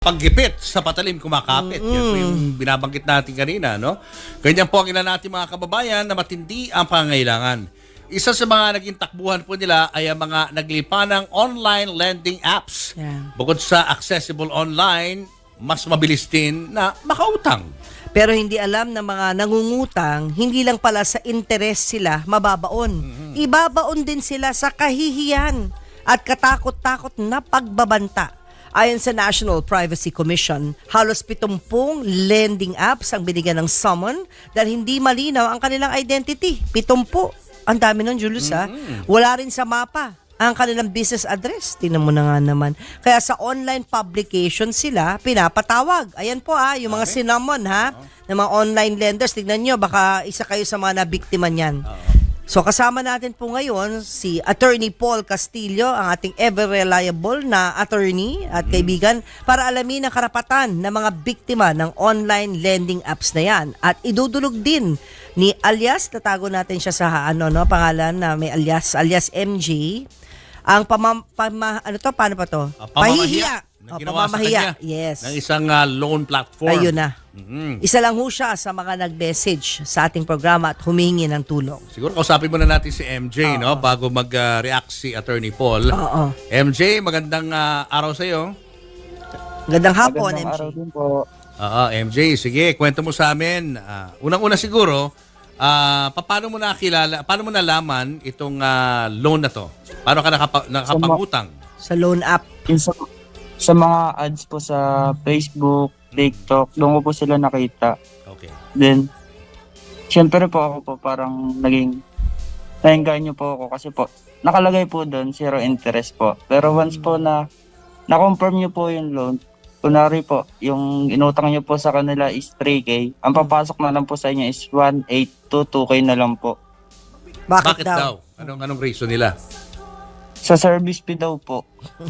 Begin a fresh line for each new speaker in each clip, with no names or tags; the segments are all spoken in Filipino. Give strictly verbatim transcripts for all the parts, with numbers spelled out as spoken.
paggipit sa patalim kumakapit. Mm-hmm. Yan po yung binabanggit natin kanina, no? Ganyan po ang ilan natin mga kababayan na matindi ang pangangailangan. Isa sa mga naging takbuhan po nila ay ang mga naglipa ng online lending apps.
Yeah.
Bukod sa accessible online, mas mabilis din na makautang.
Pero hindi alam ng mga nangungutang, hindi lang pala sa interes sila mababaon. Mm-hmm. Ibabaon din sila sa kahihiyan at katakot-takot na pagbabanta. Ayon sa National Privacy Commission, halos pitumpung lending apps ang binigyan ng summon dahil hindi malinaw ang kanilang identity. Pitumpu. Ang dami nun, Julius, ha?
Mm-hmm.
Wala rin sa mapa ang kanilang business address. Tingnan mo na nga naman. Kaya sa online publication sila pinapatawag. Ayan po, ha, yung mga
Okay.
sinamon, ha, ng mga online lenders. Tignan nyo, baka isa kayo sa mga nabiktima niyan. So kasama natin po ngayon si Attorney Paul Castillo, ang ating ever-reliable na attorney at kaibigan para alamin ang karapatan ng mga biktima ng online lending apps na yan. At idudulog din ni alias, tatago natin siya sa ano, no, pangalan na may alias, alias M J, ang pama, pama ano to, paano pa to?
Uh, pamamahiya.
Oh,
Ginawa sa
pamamahiya.
kanya
Yes.
ng isang uh, loan platform.
Ayun na.
Mm-hmm.
Isa lang ho siya sa mga nag-message sa ating programa at humingi ng tulong.
Siguro kausapin muna natin si M J,
Oo.
no, bago mag-react si Attorney Paul.
Oo.
M J, magandang uh, araw sa iyo.
Gandang hapon, M
Magandang
J.
araw din po.
Oo, M J, sige, kwento mo sa amin. Ah, unang-una siguro, ah, paano mo nakilala, paano mo nalaman itong ah, loan na to? Paano ka nakapa- nakapag-utang?
Sa loan app.
Yung sa, sa mga ads po sa Facebook, TikTok, doon ko po sila nakita.
Okay.
Then, syempre po ako po parang naging, naengganyo po ako kasi po, nakalagay po doon, zero interest po. Pero once po na, na-confirm nyo po yung loan, kunwari po, yung inutang nyo po sa kanila is three K, ang papasok na lang po sa inyo is one eight to two K na lang po.
Bakit,
Bakit daw? Anong anong reason nila?
Sa service fee daw po.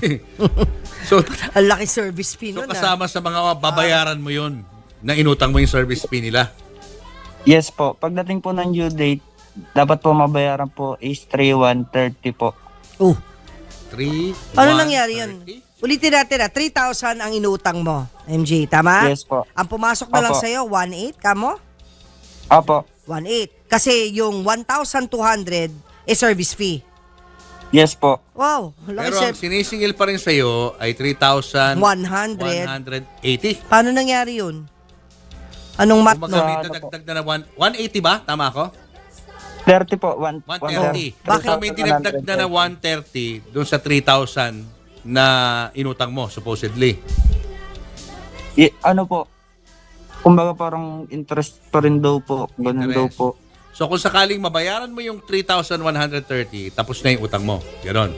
So,
Ang laki service fee
so
nun,
kasama sa mga babayaran mo 'yon na inutang mo yung service fee nila.
Yes po. Pagdating po ng due date, dapat po mabayaran po is three one thirty po.
ah. Oh,
three
paano nangyari yun? Ulitin natin na, three thousand ang inutang mo, M J, tama?
Yes po.
Ang pumasok na lang
Opo.
sa'yo, one eight, kamo?
Apo.
one eight. Kasi yung one thousand two hundred is service fee.
Yes po.
Wow, laki
Pero ang
ser-
sinisingil pa rin sa iyo ay three thousand one
one hundred.
hundred eighty.
Paano nangyari yun? Anong mat
Kung
no?
may
Ano
dadagdag na na one- 180 ba? Tama ako?
thirty po. One,
one thirty.
Bakit?
Kung may dinagdag na na one thirty doon sa three thousand na inutang mo, supposedly.
I- ano po? Kumbaga parang interest pa rin daw po. Ganun daw
Interest.
po.
So kung sakaling mabayaran mo yung three thousand one hundred thirty, tapos na yung utang mo. Ganon.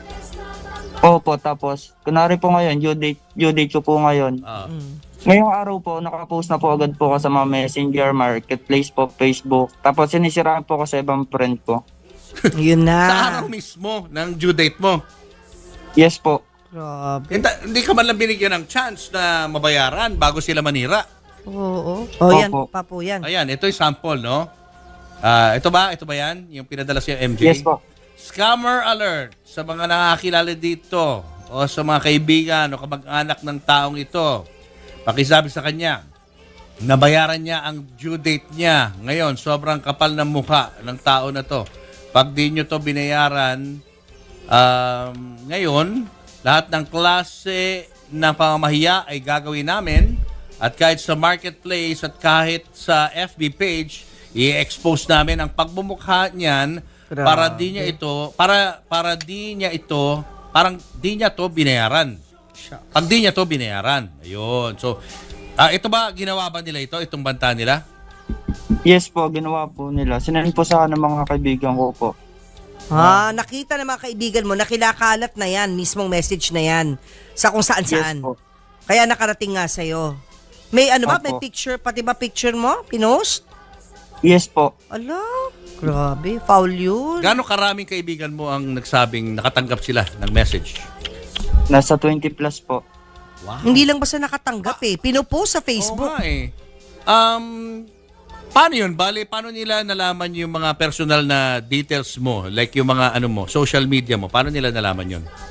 Opo, tapos, kunwari po ngayon, due date, due date ko po ngayon.
Ah.
Mm.
Ngayong araw po, nakapost na po agad po ako sa mga messenger, marketplace po, Facebook. Tapos sinisiraan po ko sa ibang friend ko.
Yun na.
Sa araw mismo ng due date mo.
Yes po.
Grabe.
Hindi, hindi ka man lang binigyan ng chance na mabayaran bago sila manira.
Oo. Oh, yan,
Opo.
papo yan.
Ayan, ito yung sample, no? Ah, ito ba? Ito ba yan? Yung pinadala siya M J?
Yes po.
Scammer alert sa mga nakakilala dito o sa mga kaibigan o kamag-anak ng taong ito. Pakisabi sa kanya, nabayaran niya ang due date niya. Ngayon, sobrang kapal ng mukha ng tao na to. Pag di nyo to binayaran, um, ngayon, lahat ng klase ng pamamahiya ay gagawin namin. At kahit sa marketplace at kahit sa F B page, i-expose namin ang pagbumukha niyan
Grabe.
para di niya ito, para para di niya ito, parang di niya to binayaran. Pag di niya to binayaran. Ayun. So, ah, ito ba ginawa ba nila ito, itong banta nila?
Yes po, ginawa po nila. Sinend po sa akin ng mga kaibigan ko po.
Ah, nakita ng mga kaibigan mo, nakilakalat na yan, mismong message na yan, sa kung saan-saan.
Yes po.
Kaya nakarating nga sa'yo. May ano ba,
Opo.
may picture, pati ba picture mo, pinost?
Yes po.
Ala, grabe, foul yun.
Gaano karaming kaibigan mo ang nagsabing nakatanggap sila ng message?
Nasa twenty plus po.
Wow.
Hindi lang basta nakatanggap eh, pinupost sa
Oo
Facebook.
nga eh. Um, paano yun? Bale, paano nila nalaman yung mga personal na details mo? Like yung mga ano mo, social media mo. Paano nila nalaman yun?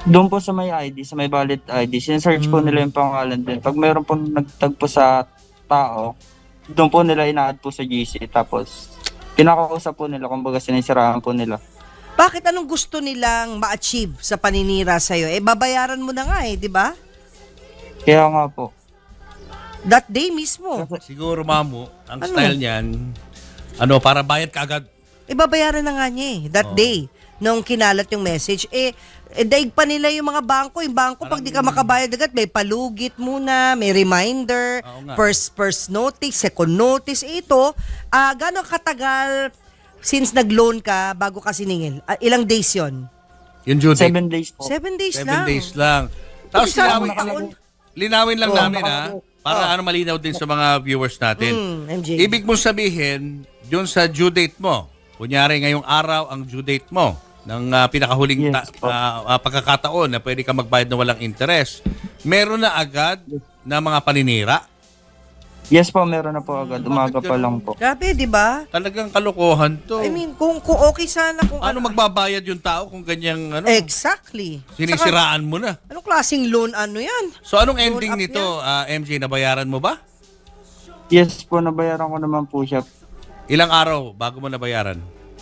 Doon po sa may I D, sa may valid I D, sinesearch po nila yung pangalan din. Pag mayroon po nagtagpo sa tao, doon po nila ina-add po sa G C. Tapos, kinakausap po nila, kumbaga sinisiraan po nila.
Bakit anong gusto nilang ma-achieve sa paninira sa'yo? Eh, babayaran mo na nga eh, di ba?
Kaya nga po.
That day mismo.
Siguro, Mamo, ang
Ano?
style niyan, ano, para bayad ka agad.
Eh, babayaran na nga niya eh, that
Oo.
day. Nung kinalat yung message, eh, eh daig pa nila yung mga bangko. Yung bangko, pag di ka makabayad agad, may palugit muna, may reminder,
Oo nga.
first first notice, second notice. Eh, ito, ah gano'ng katagal since nag-loan ka bago ka siningil? Ah, ilang days yon?
Yung due date.
Seven days po.
Seven days
Seven
lang.
days lang. Tapos
Isa
linawin,
taon.
linawin lang
Oo,
namin ha, para ano malinaw din sa mga viewers natin.
Mm, M J.
Ibig mong sabihin, yun sa due date mo, kunyari ngayong araw ang due date mo, ng ah, pinakahuling ta-
Yes, po.
ah, ah, pagkakataon na pwede ka magbayad na walang interest, meron na agad na mga paninira.
Yes po, meron na po agad. Umaga
Bakit
pa
ganun?
lang po.
Grabe, di ba?
Talagang kalokohan to.
I mean, kung, kung okay sana kung
ano magbabayad yung tao kung ganyang ano,
Exactly. Saka,
sinisiraan mo na.
anong klaseng loan ano yan?
So anong
Loan
ending
up
nito, ah, M J, nabayaran mo ba?
Yes po, nabayaran ko naman po siya.
Ilang araw bago mo nabayaran?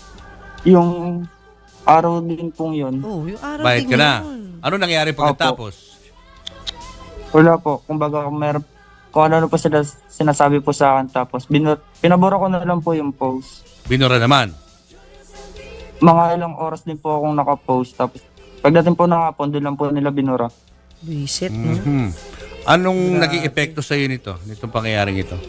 Yung araw din pong yun,
Oh, yung araw
Bayad
din
ka na.
yun.
Ano nangyari pagkatapos?
wala po. Kumbaga, kung meron, kung ano po sila sinasabi po sa akin. Tapos, binur, pinabura ko na lang po yung post.
Binura naman.
Mga ilang oras din po akong nakapost. Tapos, pagdating po ng hapon, doon lang po nila binura.
Visit, no?
Mhm. Anong naging epekto sa iyo nito, nitong pangyayaring ito?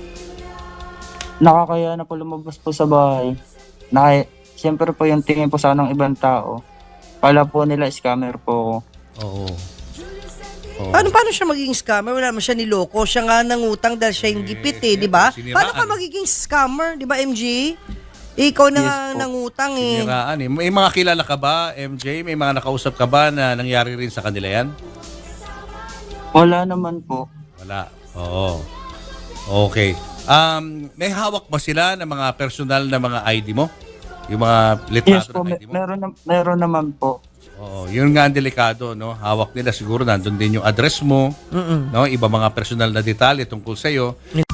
Nakakaya na po lumabas po sa bahay. Naka, siyempre po yung tingin po sa ng ibang tao. Kala po nila scammer po ako.
Oo. Oo.
Paano, paano siya magiging scammer? Wala naman siya niloko. Siya nga nangutang dahil siya yung gipit eh, di ba?
siniraan.
Paano ka magiging scammer, di ba, M G? Ikaw na
Yes
nga
po.
nangutang eh.
Siniraan eh. May mga kilala ka ba, M J? May mga nakausap ka ba na nangyari rin sa kanila yan?
Wala naman po.
Wala. Oo. Okay. Um, may hawak ba sila ng mga personal na mga I D mo? Yung mga
Yes
litrato
po,
ng I
may,
D mo?
meron, na- meron naman po.
Oo. Yun nga ang delikado, no? Hawak nila siguro nandun din yung address mo,
Mm-mm.
no? Iba mga personal na detalye tungkol sa iyo.